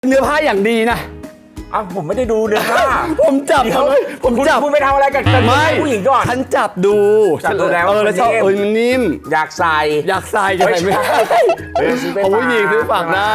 เนื้อผ้าอย่างดีนะผมไม่ได้ดูเนื้อผ้าผมจับคุณไปทำอะไรกับผู้หญิงก่อนฉันจับดูแล้วแล้วชอบมันนิ่มอยากใส่จะใส่ไม่ได้เอาผู้หญิงซื้อฝากได้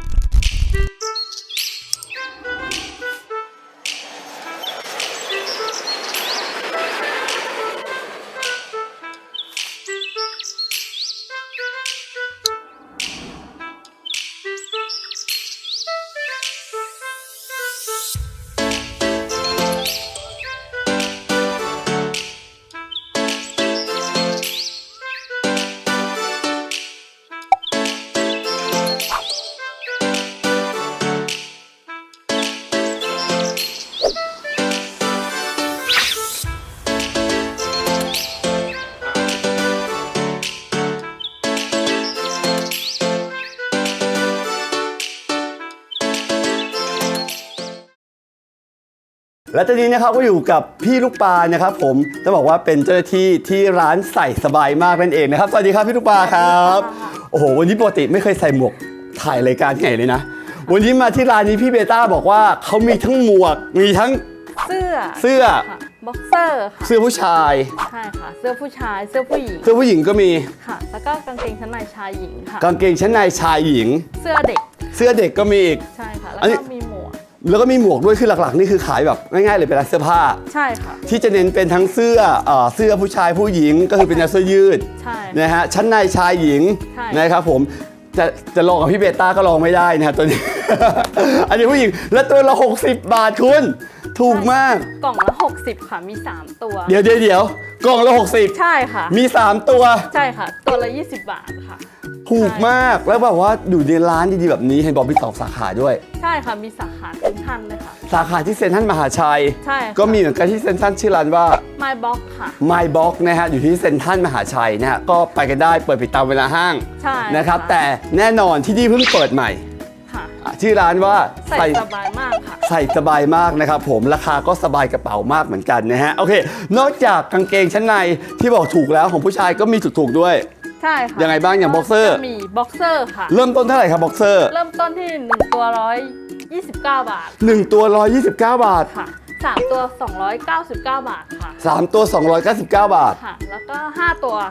และตอนนี้นะครับก็อยู่กับพี่ลูกปลานะครับผมจะบอกว่าเป็นเจ้าหน้าที่ที่ร้านใส่สบายมากนั่นเองนะครับสวัสดีครับพี่ลูกปลาครับโอ้โหวันนี้ปกติไม่เคยใส่หมวกถ่ายรายการที่ไหนเลยนะวันนี้มาที่ร้านนี้พี่เบต้าบอกว่าเขามีทั้งหมวกมีทั้งเสื้อบ็อกเซอร์ค่ะเสื้อผู้ชายใช่ค่ะเสื้อผู้ชายเสื้อผู้หญิงก็มีค่ะแล้วก็กางเกงชั้นในชายหญิงค่ะกางเกงชั้นในชายหญิงเสื้อเด็กก็มีอีกใช่ค่ะแล้วก็มีหมวกด้วยคือหลักๆนี่คือขายแบบง่ายๆเลยเป็นร้านเสื้อผ้าใช่ค่ะที่จะเน้นเป็นทั้งเสื้อผู้ชายผู้หญิงก็คือเป็นเสื้อยืดใช่นะฮะชั้นในชายหญิงนะครับผมจะลองกับพี่เบต้าก็ลองไม่ได้นะฮะตัวนี้ อันนี้ผู้หญิงและตัวละ60 บาทคุณถูกมากกล่องละ60ค่ะมี3ตัวเดี๋ยวกล่องละ60 ใช่ค่ะมี3ตัวใช่ค่ะตัวละ20 บาทค่ะถูกมากแล้วแบบว่าอยู่ในร้านดีๆแบบนี้เห็นบอกมี2 สาขาด้วยใช่ค่ะมีสาขาเซ็นทรัลเลยค่ะสาขาที่เซ็นทรัลมหาชัยใช่ก็มีเหมือนกันที่เซ็นทรัลชื่อร้านว่า My Box ค่ะ My Box นะฮะอยู่ที่เซ็นทรัลมหาชัยนะฮะก็ไปกันได้เปิดปิดตามเวลาห้างใช่นะครับแต่แน่นอนที่นี่เพิ่งเปิดใหม่ชื่อร้านว่าใส่สบายมากค่ะใส่สบายมากนะครับผมราคาก็สบายกระเป๋ามากเหมือนกันนะฮะโอเคนอกจากกางเกงชั้นในที่บอกถูกแล้วของผู้ชายก็มีถูกๆด้วยใช่ค่ะยังไงบ้างอย่างบ็อกเซอร์มีบ็อกเซอร์ค่ะเริ่มต้นเท่าไหร่ครับบ็อกเซอร์เริ่มต้นที่1ตัว129 บาท 1ตัว129 บาทค่ะ3ตัว299 บาทค่ะ 3ตัว299 บาทค่ะแล้วก็5ตัว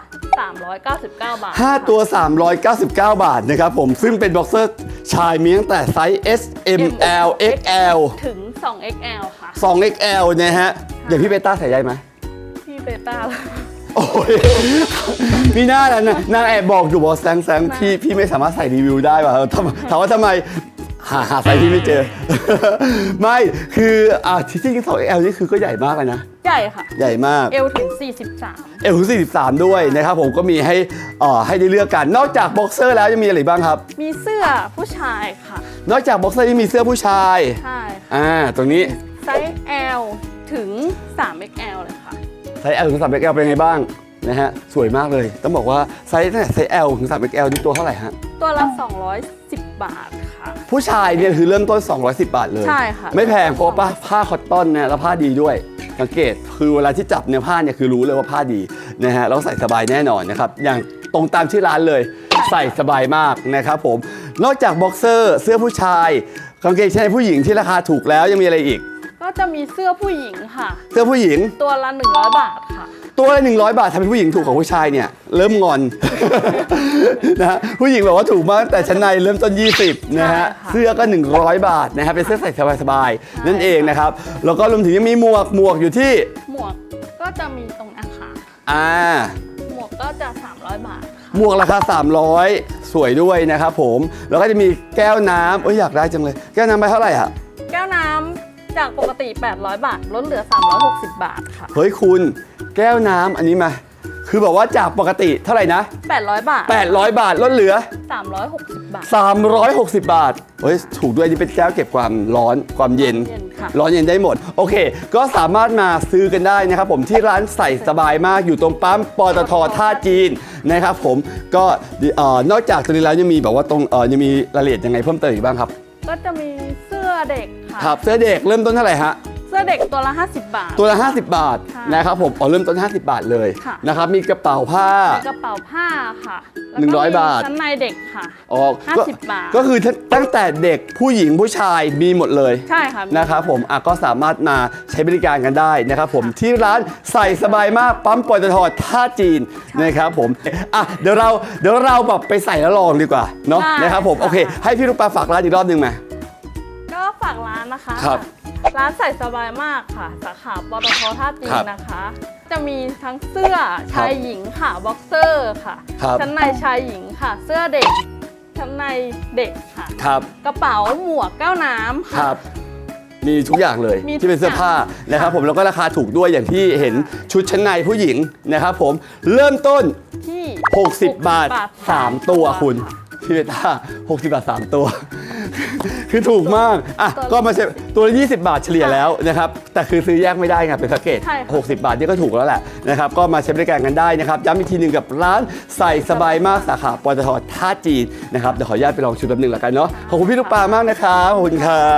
399 บาท 5ตัว399 บาทนะครับผมซึ่งเป็นบ็อกเซอร์ชายมีตั้งแต่ไซส์ S M L XL ถึง 2XL ค่ะ 2XL นะฮะอย่างพี่เบต้าใส่ได้ไหมพี่เบต้าโอ้ยพี่หน้านั้นนางแอบบอกอยู่บอกแซงพี่ไม่สามารถใส่รีวิวได้ป่ะถามว่าทำไมหาไซส์ที่ไม่เจอ ไม่คือที่จริง 2XL นี่คือก็ใหญ่มากเลยนะใหญ่ค่ะใหญ่มาก L ถึง43 L ถึง43ด้วยนะครับผมก็มีให้ได้เลือกกันนอกจากบ็อกเซอร์แล้วยังมีอะไรบ้างครับมีเสื้อผู้ชายค่ะนอกจากบ็อกเซอร์ยังมีเสื้อผู้ชายใช่ตรงนี้ไซส์ L ถึง 3XL เลยค่ะไซส์ L ถึง 3XL เป็นไงบ้างนะฮะสวยมากเลยต้องบอกว่าไซส์ L ถึง 3XL นี่ตัวเท่าไหร่ฮะตัวละ210 บาทค่ะผู้ชายเนี่ยคือเริ่มต้น210 บาทเลยใช่ค่ะไม่แพงเพราะผ้าคอตตอนเนี่ยแล้วผ้าดีด้วยสังเกตคือเวลาที่จับเนื้อผ้าเนี่ยคือรู้เลยว่าผ้าดีนะฮะแล้วใส่สบายแน่นอนนะครับอย่างตรงตามชื่อร้านเลยใส่สบายมากนะครับผมนอกจากบ็อกเซอร์เสื้อผู้ชายกางเกงชั้นในผู้หญิงที่ราคาถูกแล้วยังมีอะไรอีกก็จะมีเสื้อผู้หญิงค่ะเสื้อผู้หญิงตัวละ100 บาทค่ะตัวละ100 บาททำเป็นผู้หญิงถูกของผู้ชายเนี่ยเริ่มงอน นะฮะผู้หญิงบอกว่าถูกมากแต่ชั้นในเริ่มต้น20นะฮะเสื้อก็100 บาทนะครับเป็นเสื้อใส่สบายๆนั่นเองนะครับแล้วก็รวมถึงยังมีหมวกอยู่ที่หมวกก็จะมีตรงนั้นค่ะหมวกก็จะ300 บาทหมวกราคา300สวยด้วยนะครับผมแล้วก็จะมีแก้วน้ำอยากได้จังเลยแก้วน้ำไปเท่าไหร่อะแก้วน้ำจากปกติ800 บาทลดเหลือ360 บาทค่ะเฮ้ยคุณแก้วน้ำอันนี้มาคือบอกว่าจากปกติเท่าไหร่นะ 800 บาท 800 บาทลดเหลือ 360 บาท 360 บาทเฮ้ยถูกด้วยนี่เป็นแก้วเก็บความร้อนความเย็นร้อนเย็นได้หมดโอเคก็สามารถมาซื้อกันได้นะครับผมที่ร้านใส่สบายมากอยู่ตรงปั๊มปตท.ท่าจีนนะครับผมก็นอกจากตรงนี้แล้วยังมีแบบว่าตรงยังมีรายละเอียดยังไงเพิ่มเติมอีกบ้างครับก็จะมีเสื้อเด็กค่ะครับเสื้อเด็กเริ่มต้นเท่าไหร่ฮะเสื้สื้อเด็กตัวละ 50 บาทตัวละ 50 บาทค่ะนะครับผมเริ่มต้น 50 บาทเลยค่ะนะครับมีกระเป๋าผ้ามีกระเป๋าผ้าค่ะแล้วก็ 100 บาทชั้นในเด็กค่ะอ๋อก็ 50 บาทก็คือตั้งแต่เด็กผู้หญิงผู้ชายมีหมดเลยใช่ค่ะนะครับผมก็สามารถมาใช้บริการกันได้นะครับผมที่ร้านใส่สบายมากปั๊มปตทท่าจีนนะครับผมเดี๋ยวเราแบบไปใส่แล้วลองดีกว่าเนาะได้นะครับผมค่ะโอเคให้พี่ลูกปลาฝากร้านอีกรอบหนึงไหมก็ฝากร้านนะคะครับร้านใส่สบายมากค่ะ สาขาปตทท่าจีครันบนะคะ จะมีทั้งเสื้อชายหญิงค่ะบ็อกเซอร์ค่ะครับชั้นในชายหญิงค่ะ เสื้อเด็กชั้นในเด็กค่ะครับกระเป๋าหมวกแก้วน้ำคค่ะรับมีทุกอย่างเลยมีที่เป็นเสื้อผ้านะครับผมแล้วก็ราคาถูกด้วยอย่างที่เห็นชุดชั้นในผู้หญิงนะครับผมเริ่มต้นที่ 60 บาท 3 ตัวคุณพี่เบต้า60 บาท 3 ตัว คือถูกมากก็มาใช้ตัวละ20 บาทเฉลี่ยแล้วนะครับแต่คือซื้อแยกไม่ได้ไงเป็นแพ็กเกจใช่ค่ะ 60 บาทนี่ก็ถูกแล้วแหละนะครับก็มาใช้บริการกันได้นะครับย้ำอีกทีหนึ่งกับร้านใส่สบายมากสาขาปตทท่าจีนนะครับเดี๋ยวขออนุญาตไปลองชุดแป๊บนึงแล้วกันเนาะขอบคุณพี่ลูกปลามากนะครับขอบคุณครับ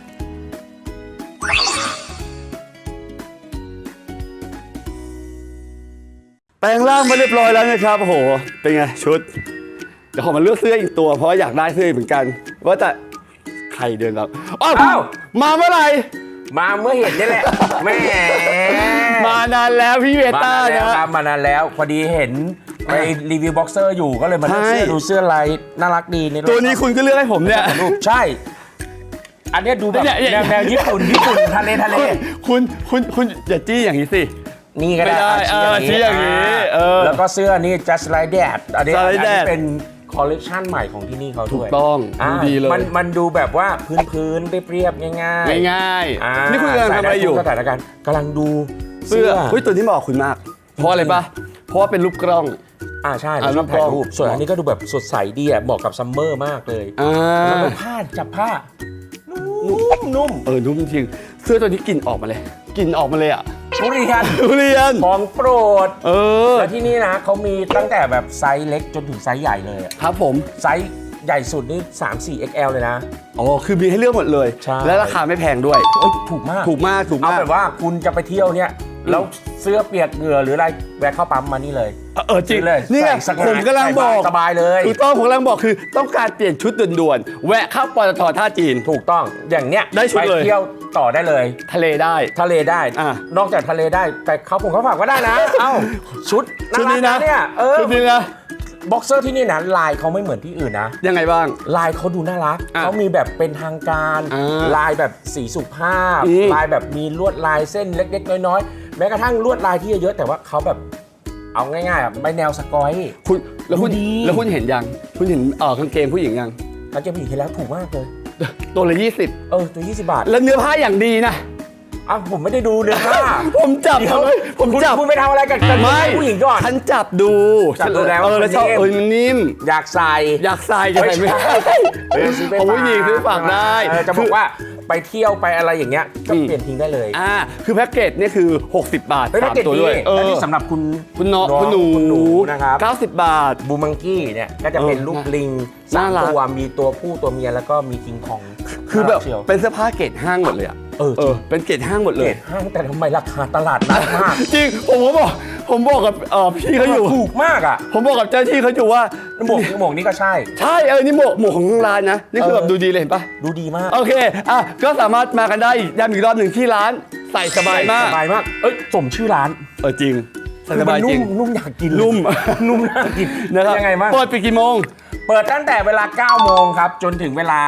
แปลงร่างมาเรียบร้อยแล้วนะครับโอ้โหเป็นไงชุดเดี๋ยวขอมาเลือกเสื้ออีกตัวเพราะว่าอยากได้เสื้ออีกเหมือนกันว่าแต่ใครเดินเราอ้าวอ้าวมาเมื่อไหร่มาเมื่อเห็นนี่แหละแหม่มานานแล้วพี่เวมาต้านานแล้วนะครับมานานแล้วพอดีเห็นไปรีวิวบ็อกเซอร์อยู่ก็เลยมาเลือกใช่เสื้อดูเสื้อลายน่ารักดีในตัวนี้คุณก็เลือกให้ผมเนี่ยรูปใช่ อันเนี้ยดูแบบเนี่ยแนวญี่ปุ่นทะเลคุณอย่าจี้อย่างนี้สินี่ก็ได้ไม่ได้ชี้อย่างนี้แล้วก็เสื้อนี่ just like that อันนี้ Just like that เป็นคอลเลคชันใหม่ของที่นี่เขาด้วยถูกต้องาดูดีเลยมันดูแบบว่าพื้นๆเรียบๆง่ายๆง่ายอ่าๆนี่คุณกำลังทำอะไรอยู่ใส่ด้ทุกสถานการณ์กำลังดูเสื้อเฮ้ยตัวนี้เหมาะกับคุณมาก เพราะอะไรปะเพราะว่าเป็นรูปกล้องใช่อ่าเราชอบถ่ายรูปรูปกล้องส่วนอันนี้ก็ดูแบบสดใสดีอ่ะเหมาะกับซัมเมอร์มากเลย แล้วก็ผ้าจับผ้านุ่มนุ่มจริงเสื้อตัวนี้กลิ่นออกมาเลยกลิ่นออกมาเลยอ่ะทุเรียนทุเรียนของโปรดอแล้วที่นี่นะเขามีตั้งแต่แบบไซส์เล็กจนถึงไซส์ใหญ่เลยอะครับผมไซส์ใหญ่สุดนี่3-4 XL เลยนะอ๋อคือมีให้เลือกหมดเลยใช่และราคาไม่แพงด้วยเอ้ยถูกมากถูกมากถูกเอามากแบบว่าคุณจะไปเที่ยวเนี่ยแล้วเสื้อเปียกเหงื่อหรืออะไรแวะเข้าปั๊มมานี่เลยจริงซื้อเลยนี่ไงใส่สักผมกำลังบอกสบายเลยถูกต้องผมกำลังบอกคือต้องการเปลี่ยนชุดด่วนๆแวะเข้าปตทท่าจีนถูกต้องอย่างเนี้ยได้ชุดเลยไปเที่ยวต่อได้เลยทะเลได้ทะเลได้อ่ะนอกจากทะเลได้แต่เขาผมเขาฝากก็ได้นะ เอ้าชุดชุดนี้ารันะกเนี่ยชุดนี้นะบ็อกเซอร์ที่นี่นะลายเขาไม่เหมือนที่อื่นนะยังไงบ้างลายเขาดูน่ารักอ่ะเขามีแบบเป็นทางการ ลายแบบสีสุภาพอืมลายแบบมีลวดลายเส้นเล็กๆน้อยๆแม้กระทั่งลวดลายที่เยอะๆแต่ว่าเขาแบบเอาง่ายๆอ่ะไม่แนวสกอยคุณแล้วคุณดูดีแล้วคุณเห็นยังคุณเห็นกางเกงผู้หญิงยังเขาจะมีเห็นแล้วถูกมากเลยตัวละตัว20 บาท 20แล้วเนื้อผ้าอย่างดีนะอ้าวผมไม่ได้ดูเนื้อผ้าผมจับเดี๋ยวเลยผมจับคุณไปทำอะไรกับไม่ผู้หญิงก่อนฉันจับดูจับดูแล้วแล้วชอบมันนิ่มมันนิ่มอยากใส่อยากใส่จะใส่ไม่ได้ซื้อไปของผู้หญิงซื้อฝากได้จะบอกว่าไปเที่ยวไปอะไรอย่างเงี้ยก็เปลี่ยนทิ้งได้เลยคือแพ็กเกจเนี่ยคือ 60 บาทเฮ้ยแพ็กเกจ 3ตัวดีด้วยอันนี้สำหรับคุณคุณน้องน้องคุณหนูคุณหนูนะครับ 90 บาทบูมังกี้เนี่ยก็จะเป็นลูกลิงน่ารักตัวมีตัวผู้ตัวเมียแล้วก็มีคิงคองคือแบบน่ารักเชียวเป็นเสื้อผ้าเกรดห้างหมดเลยอ่ะ เป็นเกรดห้างหมวดเลเกรยดห้างแต่ทำไมราคาตลาดนัดมากจริงผมบอกกับพี่เขาอยู่ถูกมากอ่ะผมบอกกับเจ้าที่เขาอยู่ว่าหมวกนี่ก็ใช่ใช่นี่หมวกของทางร้านนะนี่คือแบบดูดีเลยเห็นปะดูดีมากโอเคก็สามารถมากันได้ย้ำอีกรอบหนึ่งที่ร้านใส่สบายมากสบายมากสมชื่อร้านจริงใส่สบายจริงนุ่มอยากกินนุ่มนุ่มน่ากินนะครับยังไงบ้างเปิดปิดกี่โมงเปิดตั้งแต่เวลา 9 โมงครับ จนถึงเวลา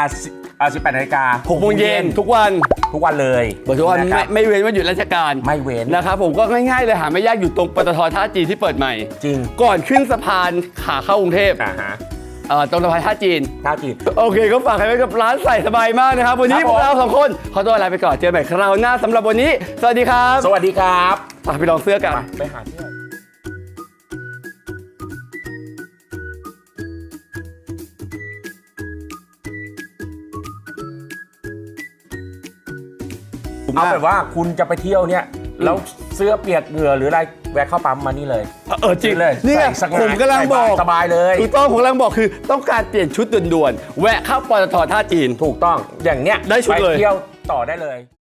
18 นาฬิกา 6 โมงเย็นทุกวันทุกวันเลยเปิดทุกวันนะครับไม่เว้นวันหยุดราชการไม่เว้นนะครับผมก็ง่ายๆเลยหาไม่ยากอยู่ตรงปตทท่าจีนที่เปิดใหม่จริงก่อนขึ้นสะพานขาเข้ากรุงเทพฮะตรงสะพานท่าจีนท่าจีนโอเคก็ฝากไว้กับร้านใส่สบายมากนะครับวันนี้ครับพผมวกเราสองคนขอตัวลาไปก่อนเจอกันใหม่คราวหน้าสำหรับวันนี้ สวัสดีครับสวัสดีครับไปลองเสื้อกันไปหาเที่ยว เอาแบบว่าคุณจะไปเที่ยวเนี่ยแล้วเสื้อเปียกเหงื่อหรืออะไรแวะเข้าปั๊มมานี่เลยจริงเลยนี่ไงใส่สัผมกำลังบอกสบายเลยถูกต้องผมกำลังบอกคือต้องการเปลี่ยนชุดด่วนๆแวะเข้าปตทท่าจีนถูกต้องอย่างเนี้ยได้ชุดเลยไปเที่ยวต่อได้เลย